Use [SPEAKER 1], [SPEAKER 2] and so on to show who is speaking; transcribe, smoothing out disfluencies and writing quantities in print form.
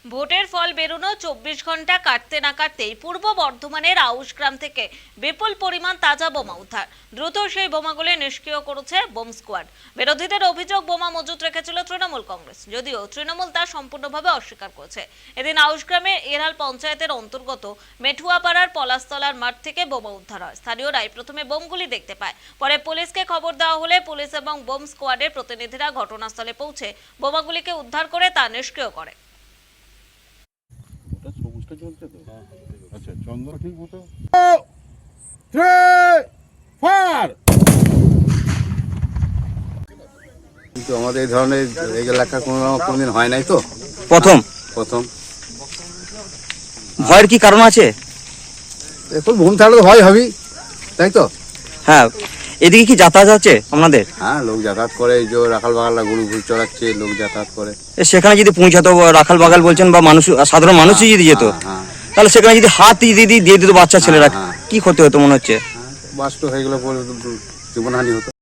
[SPEAKER 1] ভোটের ফল বেরোনো 24 ঘন্টা কাটতে না কাটতেই পূর্ব বর্ধমানের আউশগ্রাম থেকে বিপুল পরিমাণ তাজা বোমা উদ্ধার। দ্রুত সেই বোমাগুলি নিষ্ক্রিয় করেছে বোম স্কোয়াড। বিরোধীদের অভিযোগ বোমা মজুত রেখেছিল তৃণমূল কংগ্রেস, যদিও তৃণমূল তা সম্পূর্ণভাবে অস্বীকার করেছে। এদিন আউশগ্রামে এরাল পঞ্চায়েতের অন্তর্গত মেঠুয়াপাড়ার পলাশতলার মাঠ থেকে বোমা উদ্ধার হয়। স্থানীয়রাই প্রথমে বোমগুলি দেখতে পায়, পরে পুলিশকে খবর দেওয়া হলে পুলিশ এবং বোম স্কোয়াডের প্রতিনিধিরা ঘটনাস্থলে পৌঁছে বোমাগুলিকে উদ্ধার করে তা নিষ্ক্রিয় করে।
[SPEAKER 2] চলছে তো আচ্ছা চন্দ্র ঠিক মতো
[SPEAKER 3] কিন্তু আমাদের এই ধরনের এই এলাকা কোনোদিন হয় নাই তো,
[SPEAKER 4] প্রথম ভয়ের কি কারণ আছে?
[SPEAKER 3] এখন বোম থাকলে তো ভয় হবেই, তাই তো।
[SPEAKER 4] হ্যাঁ, এদিকে কি যাতায়াত আছে আপনাদের?
[SPEAKER 3] হ্যাঁ, লোক যাতায়াত করে, এই যে রাখাল বাগালরা গরু ঘুর চড়াচ্ছে, লোক যাতায়াত করে।
[SPEAKER 4] সেখানে যদি পৌঁছাতো, রাখাল বাগাল বলছেন বা মানুষ, সাধারণ মানুষই যদি যেত,
[SPEAKER 3] হ্যাঁ,
[SPEAKER 4] তাহলে সেখানে যদি হাত দিয়ে দিত বাচ্চা ছেলেরা, কি ক্ষতি হতো মনে হচ্ছে?
[SPEAKER 3] বাস্ট হয়ে গেলে পরে জীবনহানি হতো।